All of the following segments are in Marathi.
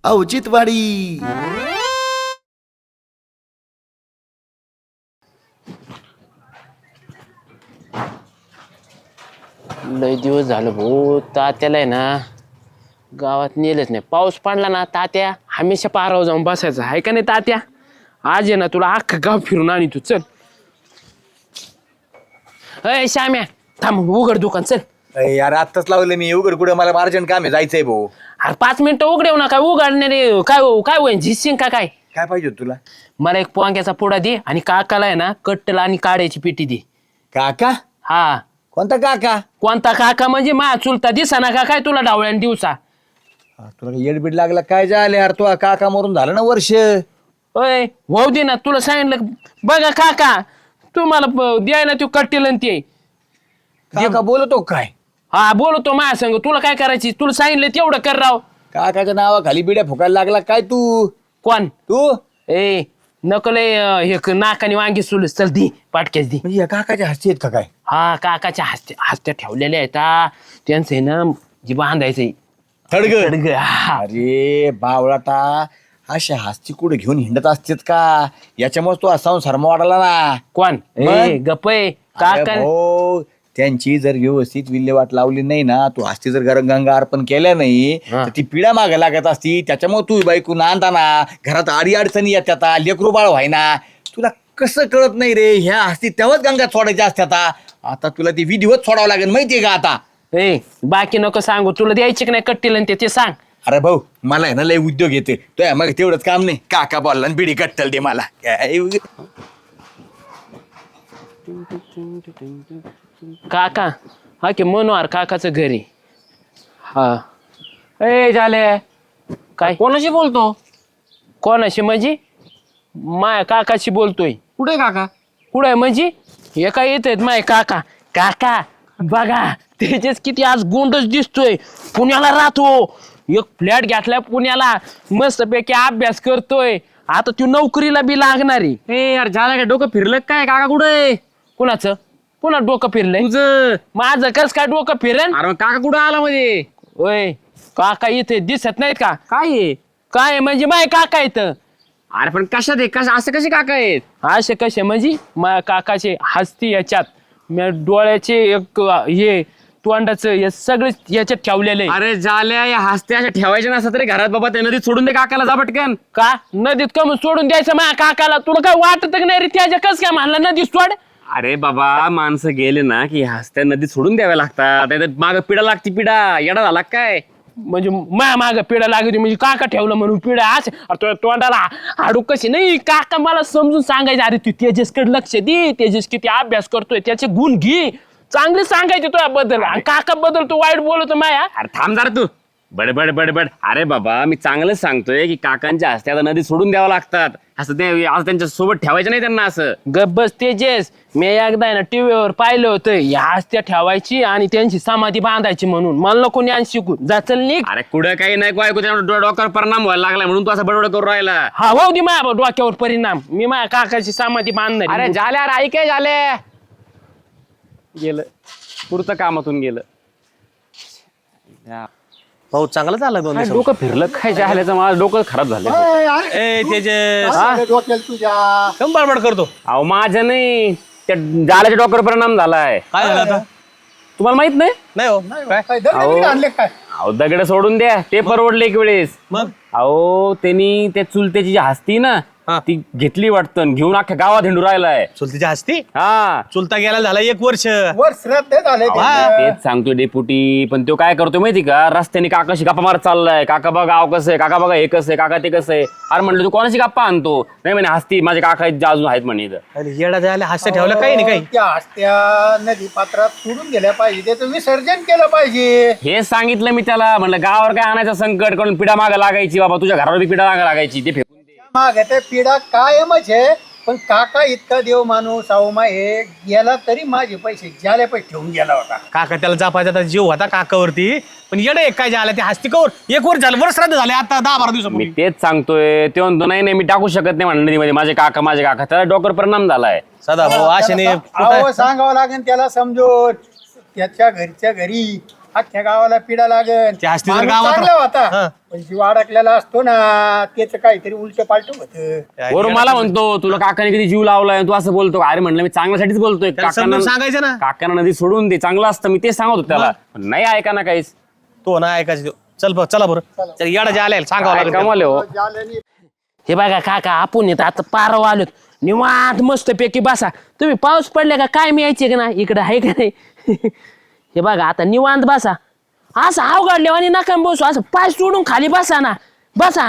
औचित्यवाडी. लय दिवस झालं भाऊ, तात्याला आहे ना गावात नेलंच नाही. पाऊस पडला ना तात्या हमेशा पारावर जाऊन बसायचं आहे का नाही तात्या. आज आहे ना तुला अख्खं गाव फिरून आणि तू चल. अय श्याम्या थांब, उघड दुकान चल. यार आत्ताच लावलं मी उघड कुठं, मला अर्जंट काम आहे, जायचंय भाऊ. अरे 5 मिनिटं उघडेव ना. काय उघडणे काय काय होईन झिसिंग का काय. काय पाहिजे होतं तुला? मला एक पोंग्याचा पुडा दे आणि काकाला आहे ना कट्टल आणि काड्याची पेटी दे. काका? हा. कोणता काका? कोणता काका म्हणजे मा चुलता दिसा का काय तुला डावळ्यान दिवसा. तुला येडबीड लागला काय झालं यार? तू काका मरून झालं ना वर्ष. अय भाऊ दे ना, तुला सांगितलं बघा काका तुम्हाला द्याय ना तू कट्टेल ते. काका बोलतो काय? हा बोलतो माझ्या संग. तुला काय करायची, तुला सांगितलं तेवढं कर राव. काकाच्या नावाखाली बिड्या फुकायला लागला काय तू? कोण तू ए नकल हे नाकाने वांगी सुलस चल दी पाटक्याच दी. म्हणजे या काकाच्या हस्ती आहेत का काय? हा काकाच्या हस्त्या ठेवलेल्या आहेत त्यांचं आहे ना जी बांधायचंय थडग. हा. अरे बावळाटा, अशा हस्ती कुठे घेऊन हिंडत असतेत का? याच्यामुळे तू असा संसार वाढला ना. कोण ए गपय काका. हो, त्यांची जर व्यवस्थित विल्हेवाट लावली नाही ना, तू हस्ती जर गंगा अर्पण केल्या नाही तर ती पिढा मागे लागत असती. त्याच्यामुळे तू बायको नांदाना घरात आडी अडचणी येतात, लेकरू बाळ व्हायना. तुला कसं कळत नाही रे? ह्या हस्ती तेव्हाच गंगा सोडायच्या असत्यात. आता तुला ती विधिवत सोडावं लागेल माहितीये का आता? ए बाकी नको सांगू, तुला द्यायची की नाही कट्टील ते सांग. अरे भाऊ, मला आहे ना लय उद्योग येते. तो मग तेवढंच काम नाही. काका बोलला बिडी कट्टल दे मला. काका हा की मनोहर काकाचं घरी. हा ए झाले काय कोणाशी बोलतो? कोणाशी म्हणजे माय काकाशी बोलतोय. कुठे काका? कुठं आहे म्हणजे हे काय येत आहेत माय काका. काका बघा त्याचेच किती आज गोंडच दिसतोय. पुण्याला राहतो, एक फ्लॅट घेतलाय पुण्याला, मस्तपैकी अभ्यास करतोय. आता तू नोकरीला बी लागणार आहे. ए यार झालं काय? डोकं फिरलं काय? काका कुठे? कुणाचं पुन्हा डोकं फिरलंय? तुझं. माझं कस काय डोकं फिरेन? अरे मग काका कुठं आला मध्ये? ओय काका इथे दिसत नाहीत का? काय आहे? काय म्हणजे माय काका इथं. अरे पण कशात आहे? असं कसे काका आहेत? असे कसे म्हणजे माया काकाचे हस्ती याच्यात मी डोळ्याचे एक हे तोंडाचं हे सगळे याच्यात ठेवलेले. अरे झाल्या या हस्त्या अशा ठेवायच्या नसतात तरी घरात बाबा त्या नदीत सोडून दे काकाला, जा पटकन. का नदीत कम सोडून द्यायचं माझ्या काकाला? तुला काय वाटत नाही रे त्याच्या कस काय म्हणला नदीत सोड? अरे बाबा माणसं गेले ना की हस्त्या नदीत सोडून द्याव्या लागतात. माग पिढा लागती. पिढा येडा झाला काय? म्हणजे माया माग पिढा लागली म्हणजे काका ठेवलं म्हणून पिढा असे तोंडाला हाडू कशी नाही. काका मला समजून सांगायचं अरे तू तेजसकडे लक्ष दे, तेजस किती अभ्यास करतोय त्याचे गुण घे, चांगले सांगायचे तुझ्या बद्दल. काका बद्दल तू वाईट बोलतो माया. अरे थांब जरा तू बडबड बडबड. अरे बाबा मी चांगलंच सांगतोय की काकांच्या हस्त्या आता नदीत सोडून द्यावं लागतात. असं ते असं त्यांच्या सोबत ठेवायचं नाही त्यांना. असं गब्बस तेजस मी एकदा ना टीव्हीवर पाहिलं होतं या हस्त्या ठेवायची आणि त्यांची समाधी बांधायची म्हणून. मला नको ज्ञान शिकू, जा चल निघ. अरे कुठं काही नाही ऐकू, डोक्यावर परिणाम व्हायला लागलाय म्हणून तू असं बडबड करू राहिला. हा भाऊ दे माझ्या डोक्यावर परिणाम. मी माझ्या काकाची समाधी बांधणार. अरे झाल्या आई काय झाले? गेलं पुरतं कामातून गेलं. भाऊ चांगलं झालं दोन दिवसात. डोकं फिरलं काय झाल्याचं? माझं डोकं खराब झालं. ए तेजस कम बडबड करतो. अहो माझं नाही, त्या जाल्याच्या डोक्यावर परिणाम झालाय. काय झालं आता? तुम्हाला माहित नाही? नाही हो काय अहो दगड सोडून द्या, ते परवडले एक वेळेस. मग अहो त्यांनी त्या चुलत्याची जी हस्ती ना हा. ती घेतली वाटतं, घेऊन अख्ख्या गावात हिंडू राहिलाय. चुलतीच्या हस्ती हा चुलता गेला झाला 1 वर्ष. तेच सांगतोय डेपुटी. पण तो काय करतोय माहिती का? रस्त्याने काकाशी गप्पा मारत चाललाय. काका बघा गाव कसं आहे, काका बघा हे कसं आहे, काका ते कसं आहे. अरे म्हणलं तू कोणाची गप्पा आणतो? नाही म्हणे हस्ती माझे काका अजून आहेत म्हणे इथं. अरे येडा जायला हास्य ठेवलं काही नाही काही. त्या हस्त्या नदी पात्रात सोडून गेल्या पाहिजे, त्याचं विसर्जन केलं पाहिजे. हेच सांगितलं मी त्याला. म्हणलं गावावर काय आणायचं संकट, करून पिढा मागं लागायची बाबा, तुझ्या घरावर बी पिढा मागं लागायची. ते फेकून दे. मागे ते पिढा कायमच आहे. पण काका इतका देव माणूस अवमा हे गेला तरी माझे पैसे ज्याला पैसे ठेवून गेला होता. काका त्याला जापायचा जीव होता काकावरती. पण येडे एक काय झालं ते हस्ती कवर 1 वर्ष झालं, वर्ष श्राद्ध झाले आता 10-12 मी दिवसापूर्वी. तेच सांगतोय. ते म्हणतो नाही नाही मी टाकू शकत नाही म्हणलं नदीमध्ये, माझे काका. त्याला डोक्यावर परिणाम झालाय. सदा भाऊ आशेने अहो सांगावं लागेल त्याला समजून. त्याच्या घरच्या घरी अख्ख्या गावाला पिढा लागेल ते हस्ती जर माणूस गावात चांगला हा. होता पण जीव अडकलेला असतो ना त्याच काहीतरी उलट पालट होत. बरोबर मला म्हणतो तुला काकाने कधी जीव लावलाय तू असं बोलतो अरे म्हणलं मी चांगल्यासाठीच बोलतोय त्याला समजून सांगायचं ना. काकांना नदी सोडून दे चांगलं असतं मी तेच सांगत होतो त्याला पण नाही ऐका ना काहीच तो ना ऐकायचं चला बरं चल येडा जे आले सांगावं काय लागेल कमाल आहे हो. जाल्याने हे बघा काका आपण येत आता पारव आलोत निवांत मस्त पैकी बसा. तुम्ही पाऊस पडले का काय मी यायचे का ना इकडं आहे का नाही हे बघा आता निवांत बसा. असं अवघडले आणि नका बसू असं पाय सोडून खाली बसा ना बसा.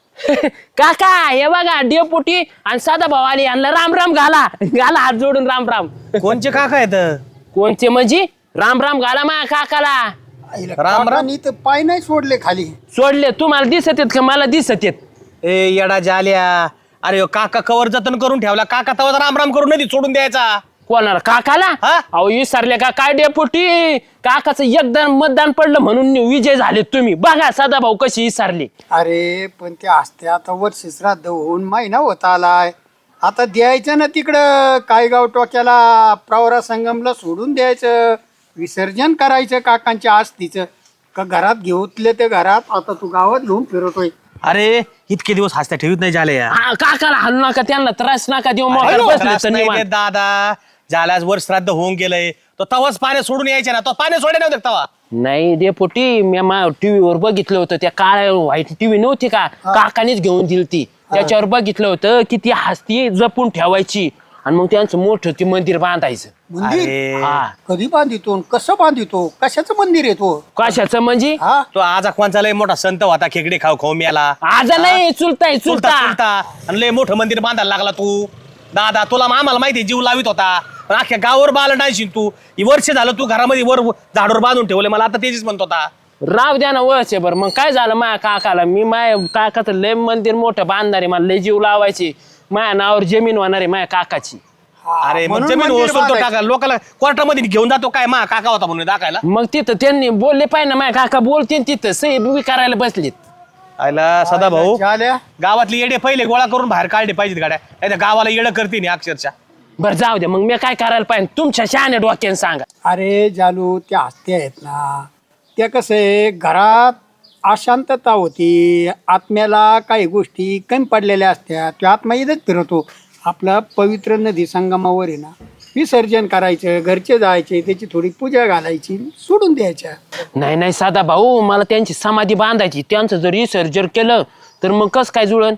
काका हे बघा डेपुटी आणि साधा भाऊ आले यांना राम राम घाला घाला हात जोडून राम राम. कोणचे काका आहेत कोणचे म्हणजे राम राम घाला मा काकाला. राम. काकांनी तर पाय नाही सोडले खाली. सोडले तुम्हाला दिसत आहेत का मला दिसत आहेत. ए येडा जाल्या अरे ह्यो काका कवर जतन करून ठेवला काका तवा राम राम करून नदी सोडून द्यायचा. कोणाला काकाला हा? अहो विसरले का काय डेपुटी काकाचं एकदा मतदान पडलं म्हणून विजय झाले तुम्ही बघा सदा भाऊ कशी विसरली. अरे पण ते असते आता वर्ष श्राद्ध होऊन महिना होत आलाय आता द्यायचं ना तिकडं काय गाव टोक्याला प्रवरा संगमला सोडून द्यायचं विसर्जन करायचं काकांच्या आस्तीचं का घरात घेऊतले ते घरात आता तू गावात घेऊन फिरतोय. अरे इतके दिवस हसत्या ठेवीत नाही झाले या हा, काकाला हलू नका त्यांना त्रास नका देऊ मोकार बसले त्रास तर नाही निवांत. देत दादा झाल्यास वर श्राद्ध होऊन गेलंय तो तवाच पाणी सोडून यायचे ना तो पाणी सोडे नव्हते तवा. नाही डेपुटी मी टीव्हीवर बघितलं होतं त्या काळ्या व्हाईट टीव्ही नव्हती का काकानेच घेऊन दिली ती त्याच्यावर बघितलं होतं की ती हस्ती जपून ठेवायची आणि मग त्यांचं मोठं ते मंदिर बांधायचं. मंदिर अरे हा कधी बांधितो कसं बांधितो कशाचं मंदिर आहे तो. कशाचं म्हणजे हा तो आजा कोणचा लय मोठा संत होता खेकडे खाऊ खाऊ मेला आज नाही चुलताय चुलता चुलता. चुलता आणि लय मोठं मंदिर बांधायला लागला तू दादा तुला आम्हाला माहिती जीव लावित होता पण अख्ख्या गावावर बाल डायशील तू ही वर्ष झालं तू घरामध्ये वर झाडवर बांधून ठेवले मला आता तेच म्हणत होता. राव द्या ना वळचे बरं मग काय झालं माझ्या काकाला मी माझ्या काकाचं लय मंदिर मोठं बांधणार आहे मला लय जीव लावायची माझ्या नावावर जमीन होणार आहे माझ्या काकाची. अरे मग म्हणून जमीन मंदिर वसूलतो बांधायचं. टाका लोकांना कोर्टामध्ये घेऊन जातो काय मा काका होता म्हणून दाखायला. मग तिथं त्यांनी बोलले पाहिजे ना माझ्या काका बोलते तिथं सही बी करायला बसलीत. आयला सदा भाऊ झाल्या गावातले येडे पहिले गोळा करून बाहेर काढले पाहिजेत गाड्या नाही तर गावाला येडं करते नाही अक्षरशः. बरं जाऊ दे मग मी काय करायला पाहिजे तुमच्या शहाण्या डोक्याने सांगा. अरे जालू त्या हस्ते आहेत ना त्या कसं आहे घरात अशांतता होती आत्म्याला काही गोष्टी कमी पडलेल्या असत्या तो आत्मा इथंच फिरवतो. आपला पवित्र नदी संगमावर आहे ना विसर्जन करायचं घरचे जायचे त्याची थोडी पूजा घालायची सोडून द्यायच्या. नाही नाही साधा भाऊ मला त्यांची समाधी बांधायची त्यांचं जर विसर्जन केलं तर मग कस काय जुळन.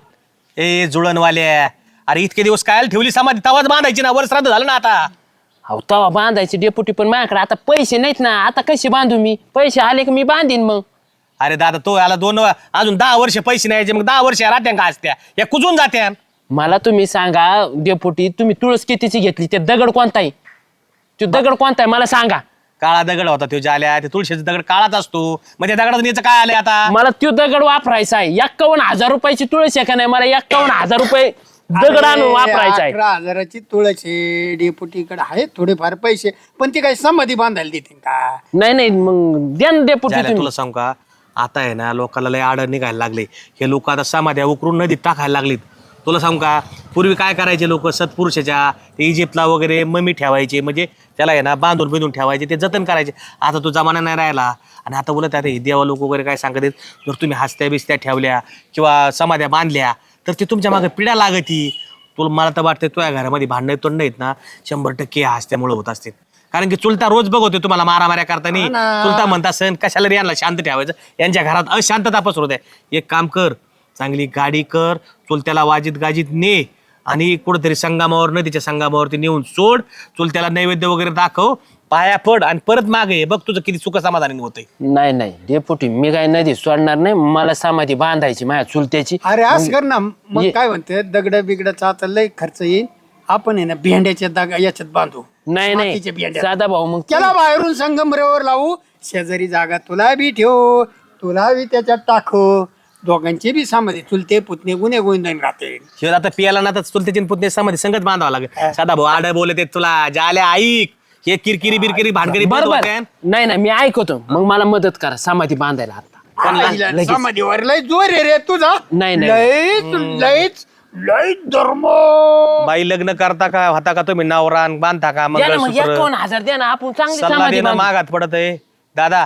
ए जुळणवाल्या अरे इतके दिवस काय ठेवली समाधी तवाच बांधायची ना वर श्राद्ध झालं ना आता. अहो तवा बांधायची डेपुटी पण माझ्याकडे आता पैसे नाहीत ना आता कसे बांधू मी पैसे आले की मी बांधीन मग. अरे दादा तो याला अजून 10 वर्ष पैसे नाही यायचे मग 10 वर्ष राहत्या का असत्या या कुजून जात्या. मला तुम्ही सांगा डेपुटी तुम्ही तुळस कितीची घेतली ते दगड कोणता आहे तो दगड कोणता आहे मला सांगा. काळा दगड होता तो जाल्या ते तुळशीचा दगड काळाच असतो मग त्या दगडातून याचं काय आलंय आता. मला तो दगड वापरायचा आहे 51,000 रुपयाची तुळस आहे का नाही मला 51,000 रुपये दगड आणून वापरायचा आहे. 11,000ची तुळशी डेपुटीकडे आहेत थोडेफार पैसे पण ते काही समाधी बांधायला देतील का. नाही नाही मग द्या ना डेपुटी जाल्या, तुम्ही. तुला सांगू का आता आहे ना लोकांना लय आड निघायला लागले हे लोक आता समाध्या उकरून नदीत टाकायला लागलीत. तुला सांगू का पूर्वी काय करायचे लोक सत्पुरुषाच्या ते इजिप्तला वगैरे ममी ठेवायचे म्हणजे त्याला आहे ना बांधून बिंधून ठेवायचे ते जतन करायचे. आता तो जमाना नाही राहिला आणि आता बोलत आता हे देवा लोक वगैरे काय सांगत आहेत जर तुम्ही हस्त्या बिस्त्या ठेवल्या किंवा समाध्या बांधल्या तर ते तुमच्या मागे पिढ्या लागती. तुला मला तर वाटतं तुझ्या घरामध्ये भांडणं तोंड आहेत ना 100% हस्त्यामुळे होत असतील. कारण की चुलता रोज बघतोय तुम्हाला मारामाऱ्या करताना चुलता म्हणता सण कशाला रे यांना शांत ठेवायचं यांच्या घरात अशांतता पसरत आहे. एक काम कर चांगली गाडी कर चुलत्याला वाजीत गाजीत ने आणि कुठेतरी संगमावर नदीच्या संगमावरती नेऊन सोड चुलत्याला नैवेद्य वगैरे दाखव पाया पड आणि परत मागे ये. बघ तुझं किती सुख समाधानी होतंय. नाही नाही डेपुटी मी काय नदी सोडणार नाही मला समाधी बांधायची माझ्या चुलत्याची. अरे असं कर ना मग ये. काय म्हणते दगड बिगडाचा आता लय खर्च येईल आपण आहे ना भेंड्याच्या याच्यात बांधू नाही मातीच्या नाही भेंड्या. साधा भाऊ मग त्याला बाहेरून संगमरेवर लावू शेजारी जागा तुला बी ठेवू तुला बी त्याच्यात टाकू दोघांचे बी समाधी चुलते पुतणे गुन्हे गोविंदन राहते. शिवाय आता पियाला ना तर चुलत्याची पुतणे समाधी संगत बांधावं लागेल. साधा भाऊ आड बोलत तुला जाल्या ऐक हे किरकिरी बिरकिरी भानगरी बंद बरोबर होते. नाही नाही मी ऐकतो मग मला मदत करा समाधी बांधायला आता. आईला लगेच. समाधीवर लय जोर आहे रे तुझा नाही, नाही. लयच लयच लयच धर्म. बाई लग्न करता का होता का तुम्ही नवरा आणि बांधता का द्या ना मग मंगळसूत्र 51,000 द्या ना आपण चांगली सल्ला समाधी देणं बांधू. मागात पडत आहे. दादा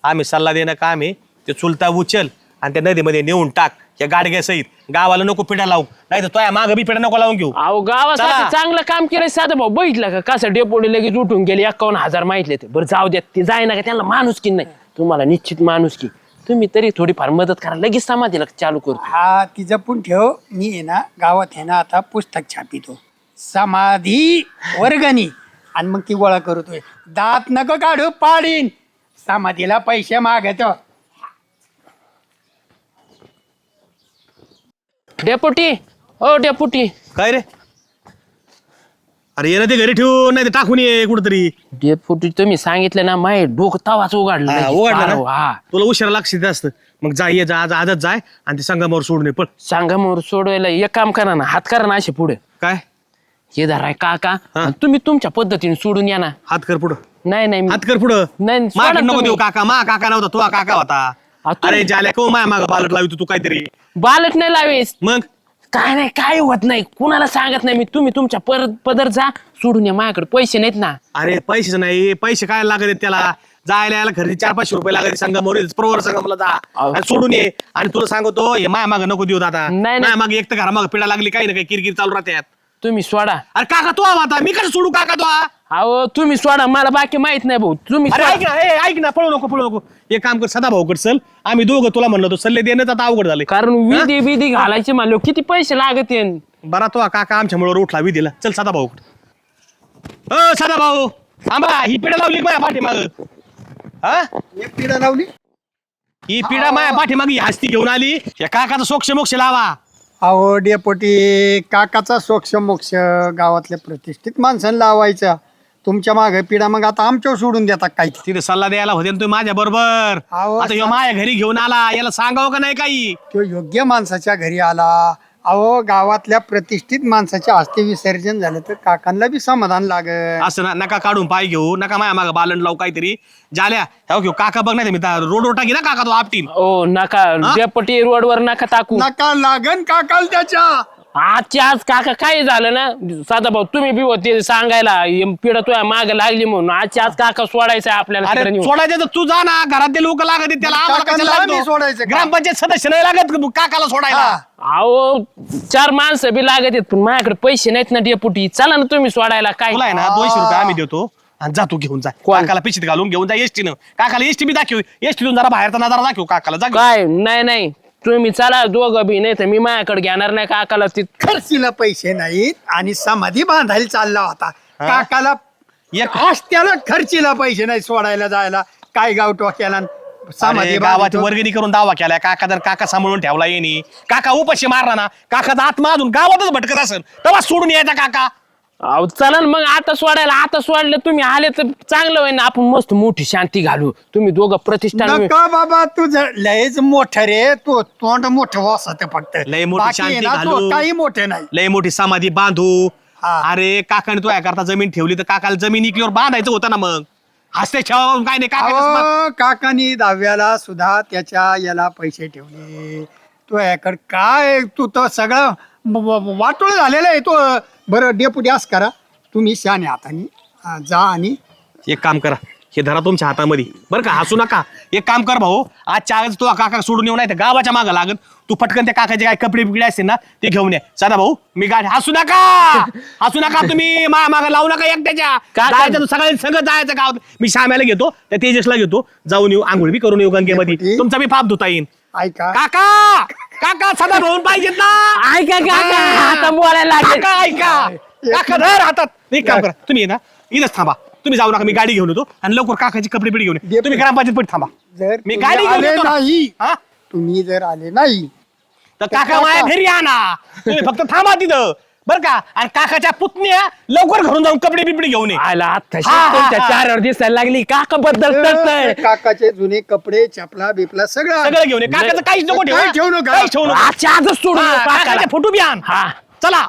आम्ही सल्ला देणं काम आहे. ते चुलता उचल आणि त्या नदीमध्ये नेऊन टाक या गाडग्या सहित. गावाला नको पिढ्या लावू, नाही तर तो मागं बी पिढ्या नको लावून घेऊ. अहो गावासाठी चला. चांगलं काम केलं साधं भाऊ, बघितलं का कसं डेपोडी लगेच उठून गेले 51,000 माहितले ते. बरं जाऊ द्या, ते जाय ना का त्यांना माणूस की नाही, तुम्हाला निश्चित माणूस की. तुम्ही तरी थोडीफार मदत करा, लगेच समाधीला चालू करतो. हा ती जपून ठेव. मी आहे ना गावात आहे ना आता पुस्तक छापितो, समाधी वर्गणी, आणि मग ती गोळा करतोय. दात नको काढू, पाडीन. समाधीला पैसे मागतो. डेपुटी, ओ डेपुटी. काय रे? अरे ये ना ते घरी ठेवून, नाही ते टाकून ये कुठतरी. डेपुटी तुम्ही सांगितलं ना, माय डोकं तवाच उघडलं लगेच. उघडला पारो, हा. ना तुला उशिरा लक्ष देत असतं. मग जा ये जा, आज आजच जाय आणि ते संगमावर सोडून ये पण. सांगा मग सोडवायला एक काम करा ना, हात करा ना असे पुढे. काय हे धराय काका, हा. आणि तुम्ही तुमच्या पद्धतीने सोडून या ना. हात कर पुढं, नाही नाही हात कर पुढं. नाही, सोडा माग नको तुम्ही. देऊ काका, मा काका नव्हता, तुझा काका होता. आ, तुम्ही- अरे जाल्या को माया माग बालट लावी तू काहीतरी. बालट नाही लावेस. मग काय नाही, काय होत नाही, कुणाला सांगत नाही मी. तुम्ही तुमच्या पदर जा, सोडून या. माझ्याकडे पैसे नाहीत ना. अरे पैसेच नाही, पैसे काय लागत आहेत त्याला? जायला यायला खरेदी 400-500 रुपये लागत संगमावर, प्रवर संगमला जा आणि सोडून ये. आणि तुला सांगतो हे माया माग नको देऊ दादा. नाही, नाही. माया माग एक तर घरामाग पिढा लागली, काही ना काही किरकिर चालू राहते. तुम्ही सोडा. अरे काका तो आता मी कसं सोडू काका तो? अहो तुम्ही सोडा, मला बाकी माहित नाही भाऊ. तुम्ही अरे सोडा. ऐक ना, ऐक ना, पळू नको. एक काम कर, सदा भाऊकड चल. आम्ही दोघं तुला म्हणलो तो सल्ले देणं आता अवघड झाले. कारण विधी विधी घालायचे म्हणलो किती पैसे लागत. बरा तो काका आमच्या मुळे उठला विधीला. चल सदा भाऊकड. सदा भाऊ थांबा, ही पिढा लावली माझ्या पाठीमाग. हा, एक पिढा लावली. ही पिढा माझ्या पाठीमाग ही हस्ती घेऊन आली. या काकाचा सोक्ष मोक्ष लावा. अहो डेपोटी, काकाचा सोक्ष मोक्ष गावातल्या प्रतिष्ठित माणसांना लावायचा. तुमच्या मागे पिढा मग आता आमच्यावर सोडून देतात काय? तिथे सल्ला द्यायला होते ना तुम्ही माझ्या बरोबर. अहो, आता ह्यो माझ्या घरी घेऊन आला, याला सांगावं का नाही काही? तो योग्य माणसाच्या घरी आला. अहो गावातल्या प्रतिष्ठित माणसाच्या हस्ते विसर्जन झालं तर काकांना बी समाधान लागत. असं नका काढून पाय घेऊ, नका माझ्या मागं बालन लावू काहीतरी. जाल्या हो घेऊ काका बघ, नाही मी रोड टाकी ना काका तो आपटीन. ओ नका डेपटी, रोडवर नका टाकू. नका लागन काकाला त्याच्या. आजच्या आज काका काय झालं ना, साधा भाऊ तुम्ही बी होते सांगायला पिढा तुझ्या माग लागली म्हणून. आजच्या आज काका सोडायचा आपल्याला तिकडे अरे नेऊन. सोडायचं तर तू जा ना, घरातले लोक लागत आहेत त्याला, आम्हाला काकांना कशाला आम्ही लागतो? सोडायचं का? ग्रामपंचायत सदस्य नाही लागत काकाला सोडायला. अहो 4 माणसं बी लागत आहेत, पण माझ्याकडे पैसे नाहीत ना डेपुटी. चला ना तुम्ही सोडायला. काय तुला आहे ना 200 रुपये आम्ही देतो आणि जा तू घेऊन जा. कोण? काकाला पिशीत घालून घेऊन जा एसटीनं. काकाला एसटी बी दाखव, एसटीतून जरा बाहेरचा नजारा दाखव काकाला. जा घेऊन. काय नाही नाही, तुम्ही चला दोघं बी, नाही तर मी माझ्याकडे घेणार नाही काकाला. ती खर्चीला पैसे नाहीत आणि समाधी बांधायला चालला होता. काकाला एक त्याला खर्चीला पैसे नाही सोडायला जायला. काय गाव टोक्याला समाधी अरे, गावाची बांधतो. वर्गणी करून दावा केलाय. काका जर काका सांभाळून ठेवला येणे, काका उपाशी मारला ना, काकाचा आत्मा अजून गावातच भटकत असेल, तेव्हा सोडून यायचा काका. अहो चला ना मग आता सोडायला. आता सोडलं तुम्ही आले तर चांगलं होईल ना, आपण मस्त मोठी शांती घालू. तुम्ही दोघं प्रतिष्ठान. नका बाबा, तुझं लयच मोठं रे. तो तोंड मोठं वासत फक्त. लय मोठी बाकी आहे शांती ना, घालू. तो काही मोठे नाही. लय मोठी समाधी बांधू. हा. अरे काकाने तो करता जमीन ठेवली तर काकाला जमीन इकल्यावर बांधायचं होतं ना. मग हसते छावा काय नाही काका. अहो, काकानी दहाव्याला सुद्धा त्याच्या याला पैसे ठेवले. तो याकडे काय, तू तर सगळं वाटोळ झालेलं आहे तो. बरं डेपुटी असं करा, तुम्ही शाने हाताने जा आणि एक काम करा, हे धरा तुमच्या हातामध्ये बरं का, हसू नका. एक काम कर भाऊ, आजच्या आज तू काका सोडून येऊ, नाही तर गावाच्या मागं लागत. तू पटकन त्या काकाचे काय कपडे बिकडे असतील ना ते घेऊन ये. साधा भाऊ मी गाडी. हसू नका तुम्ही मागं लावू नका एकट्याच्या. जायचं तू सगळ्यांनी संगत जायचं गावात. मी श्याम्याला घेतो, त्या तेजसला घेतो, जाऊन येऊ, आंघोळ बी करून येऊ गंगेमध्ये. डेपुटी. तुमचा बी पाप धुता येईल. ऐका. काका सदा भाऊन पाहिजेत ना. ऐका काका, आता बोलायला लागले. काका ऐका, काका धर हातात. एक काम करा, तुम्ही ये ना इथंच थांबा. तुम्ही जाऊ नका, मी गाडी घेऊन येतो आणि लवकर काकाची कपडे बिडी घेऊन ये. तुम्ही ग्रामपंचायत पण थांबा. जर मी तुम्ही गाडी घेऊन आले येतो ना. नाही, हा? तुम्ही जर आले नाही तर काका माझ्या घरी आणा. तुम्ही फक्त थांबा तिथं बरं का. आणि काकाच्या पुतण्या लवकर घरून जाऊन कपडे बिपडे घेऊन ये. आला आता हा. तुमच्या 4 वर दिसायला लागली. काका बद्दल तरतय. काकाचे जुने कपडे, चपला बिपला सगळं सगळं घेऊन ये. काकाचं काहीच नको ठेवू. काही ठेवू नका. काहीच ठेवू नका. आजच्या आजच सोडून हा, देऊ काकाला. काकाचे फोटो बी आण. हा. चला.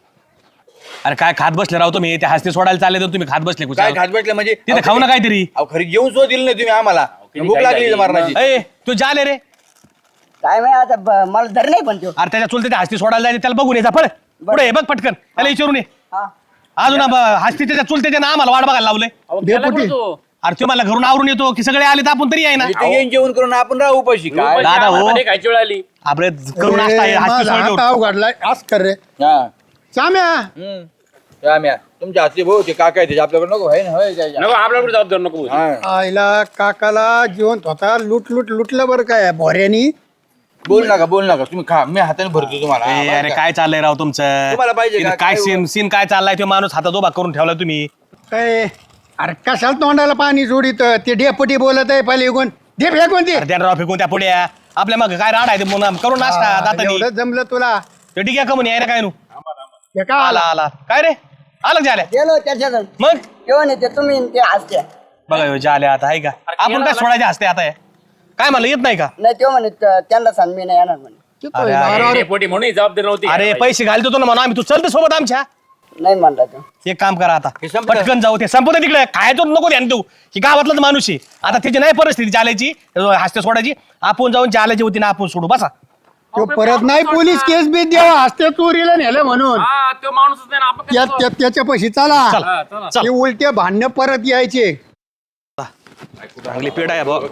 अरे काय खात बसले राव तुम्ही, त्या हस्ते सोडायला चालले तर तुम्ही खात बसले कुठे? काय खात भेटलं म्हणजे? तिथे खाऊ ना काहीतरी. अहो खरी जेवून सुद्धा दिलं नाही तुम्ही आम्हाला. भूक लागली मारण्याची. ए तू जाले रे. काय माहिती आता मला धर नाही पण तो. अरे त्याच्या चुलते हस्ती सोडायला जायचं, त्याला बघून यायचा. पळ पुढे ये, बघ पटकन त्याला विचारून ये. हा. अजून हस्ती त्याच्या चुलतेच्या ना आम्हाला वाट बघायला लावलंय. डेपुटी अरे तो मला घरून आवरून येतो की सगळे आले तर आपण तरी आहे ना इथे येऊन जेवण करून आपण राहू उपाशी काय दादा हो खायची वेळ आली. आपले करून नाश्ता आहे, हातची सोय करू. उघडलाय आज कर रे हा चाम्या राम्या, तुमच्या हातचे भाऊ ते काका आहे आपल्याकडे नको आहे ना होय काय नको आपल्याकडे जबाबदार नको. हा. आईला काकाला जिवंत होता लुटलं बरं काय भोऱ्यानी. बोल नका तुम्ही खा मी हाताने भरतो तुम्हाला ए, अरे काय चाललंय राव तुमचं तुम्हाला पाहिजे का? इथं काय काय सीन सीन काय चाललाय तो माणूस हातात उभा करून ठेवला तुम्ही. काय अरे कशाला तोंडाला पाणी सोडित ते डेपुटी बोलत आहे पहिले इकून दे फेकून दे. अरे त्या राव फेकून त्या पुढ्या आपल्या मग काय राड आहे ते म्हणून करून नाश्ता दातानी एवढं जमलं तुला ते ठीक आहे का म्हणे यायला काय नु हे का आला आला काय रे आलं झाल्या गेलो त्याच्यात मग जेवण येते तुम्ही आणि ते हसते बघा ह्यो झाल्या आता आहे का आपण काय सोडायचे हसते आता हे? काय मला येत नाही का नाही तेव्हा म्हणे त्यांना सांग मी नाही येणार म्हणे अरे, अरे, डेपुटी म्हणून जबाबदारी नव्हती. अरे पैसे घालतो तो ना म्हणून आम्ही तू चलते सोबत आमच्या नाही म्हणला तो एक काम करा आता हे संपलं. पटकन जाऊ ते संपत तिकडे खायचो नको ध्यान देऊ की गावातलाच माणूस आहे आता त्याची नाही परिस्थिती जाल्याची हस्ते सोडायची आपण जाऊन जाल्याची होती ना आपण सोडू बसा तो परत नाही पोलीस केस बी द्यावा हसते चोरीला नेलं म्हणून हा, तो माणूसच नाही ना, आपण कसं जाऊ? त्याच्या पैसे चला हा, चला. ते उलटे भांडणं परत यायचे. चांगली पेड आहे भाऊ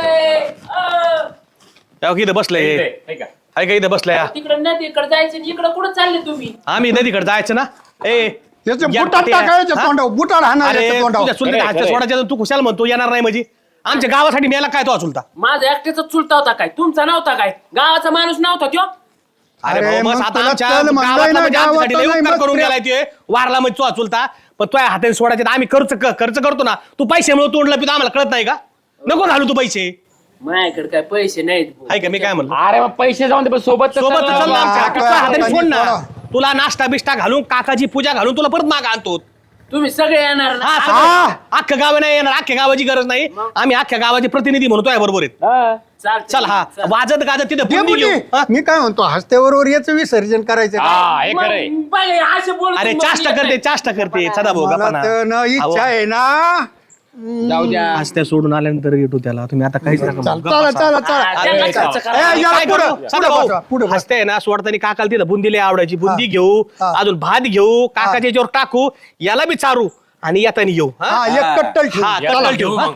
इथं बसलंय हे का? आहे का इथं बसलंय तिकडे नदीकडे जायचं इकडे कुठं चालले तुम्ही आम्ही नदीकडे जायचं ना ए त्याचं या बुटात पाट्या. टाकायचं हा? तोंडावर बुटात हाणार अरे याच्या तोंडावर. तुझ्या चुलत्या हातच्या सोडायच्या तू खुशाल म्हणतो येणार नाही म्हणजे आमच्या गावासाठी मेला काय तो चुलता माझा एकट्याचा चुलता होता काय तुमचा नव्हता काय गावाचा माणूस नव्हता त्यो अरे अरे भाऊ, बस मग आता तुला आमच्या चल म्हणलंय गावातला ना, म्हणजे आमच्यासाठी लय गावातला उपकार नाही, करून मग गेलाय ते वारला म्हणजे तो चुलता पण तुझ्या हाताने सोडायचे तर आम्ही खर्च करतो ना तू पैशामुळे तोडला पितो आम्हाला कळत नाही का नको घालू तू पैसे माझ्याकडे काय पैसे नाहीत भाऊ. आहे का मी काय म्हणलो अरे मग पैसे जाऊन दे पण सोबत तर सोबत चला. चल ना आमच्या. काका, तुझ्या हाताने काका, सोड ना काका. तुला नाश्ता बिष्टा घालून काकाची पूजा घालून तुला परत माग आणतो तुम्ही सगळे येणार ना हा सगळं. अख्ख्या गाव नाही येणार अख्ख्या गावाची गरज नाही आम्ही अख्ख्या गावाचे प्रतिनिधी म्हणतो आहे बरोबर आहेत हा. चालतंय. चल हा वाजत गाजत तिथे बुंदी डेपुटी, घेऊ हा? मी काय म्हणतो हस्त्याबरोबर याचं विसर्जन करायचं का? हा, हे खरंय. मग बाई, असे बोलतो अरे मग चाष्टा येत करते नाही. चाष्टा करते सदा भाऊ मला गप्पा ना. तर ना इच्छा आहे ना. जाऊ द्या आज त्या सोडून आल्यानंतर येतो त्याला तुम्ही आता काहीच नका म्हणू. चला चला चला हा, त्यांना खर्च करा. ए, या काय पुढं, करू? पुढं बसा, पुढं बसा. हसते ना सोडताना काकाला तिथं बुंदीला आवडायची बुंदी घेऊ हा. अजून भात घेऊ काकाच्या याच्यावर टाकू याला बी चारू आणि येताना येऊ हा? हा एक कट्टल ठेवू. हा चला. कट्टल ठेवू हा?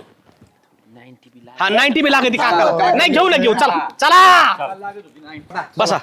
हा 90 बी लागते काकाला नाही घेऊ ना घेऊ चला चला बसा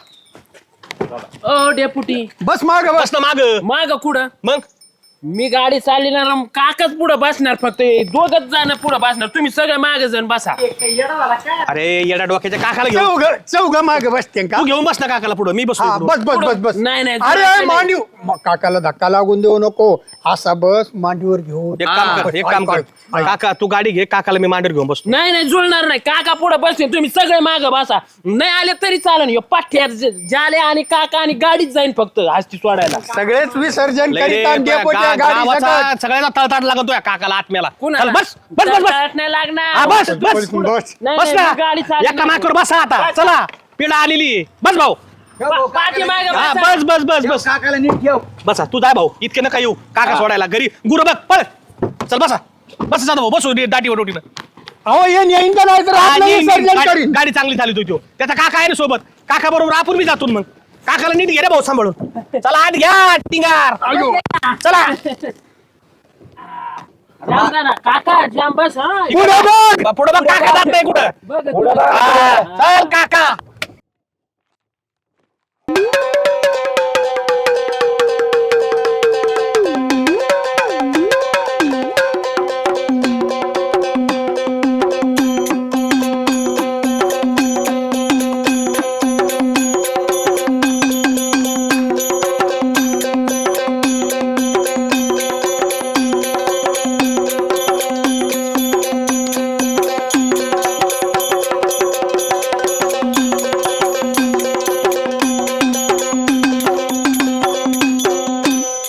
ओ डेपुटी बस माग बस बस ना माग माग कुठं मग मी गाडी चालणार काकाच पुढे बसणार फक्त दोघच जाणार पुढे बसणार तुम्ही सगळे मागे जण बसा अरे येडा डोक्याच्या काकाला घेऊ चौघ माग बसते का? तू घेऊन बस ना काकाला पुढं मी बसतो हा इकडं. बस बस बस बस नाही, नाही, अरे नाही. मांडीव काकाला धक्का लागून देऊ नको असा बस मांडीवर घेऊन एक काम कर एक काम कर काका तू गाडी घे काकाला मी मांडीवर घेऊन बसतो नाही नाही जुळणार नाही काका पुढे बसते तुम्ही सगळे माग बसा नाही आले तरी चालेल ह्यो पाठ्यात जाले आणि काका आणि गाडीच जाईन फक्त हस्ती सोडायला सगळेच विसर्जन लय रे, करीत आणि तुया डेपोच्या गाडी गावाचा सकट. सगळ्यांना तळताट लागतोय काकाला आत्म्याला कुणाला? चल, बस बस बस बस तळतळाट नाही लागणार हा, बस बस बस. नाही, बस नाही, ना गाडी चालली एका माकर बसा आता चला पिढा आलेली आहे. बस भाऊ पाठीमागे हा बसा. बस बस बस बस काकाला नीट ठेव बसा तू जाय भाऊ इतके नका येऊ काका सोडायला घरी गुरु बघ पळ चल बसा बस जाता भाऊ बसू दाटीवर रोटीनं अहो येईन येईन का नाही तर आपलं विसर्जन करीन. गाडी चांगली झाली तो त्याचा काका आहे ना सोबत काका बरोबर आपण बी जातो मग काकाला नीट घे रे भाऊ सांभाळून चला आत घ्या टिंगार चला जाम जा ना. काका जाम बस हा पुढं बघ. पुढे बघ काका जात नाही कुठं बघ हा, चल काका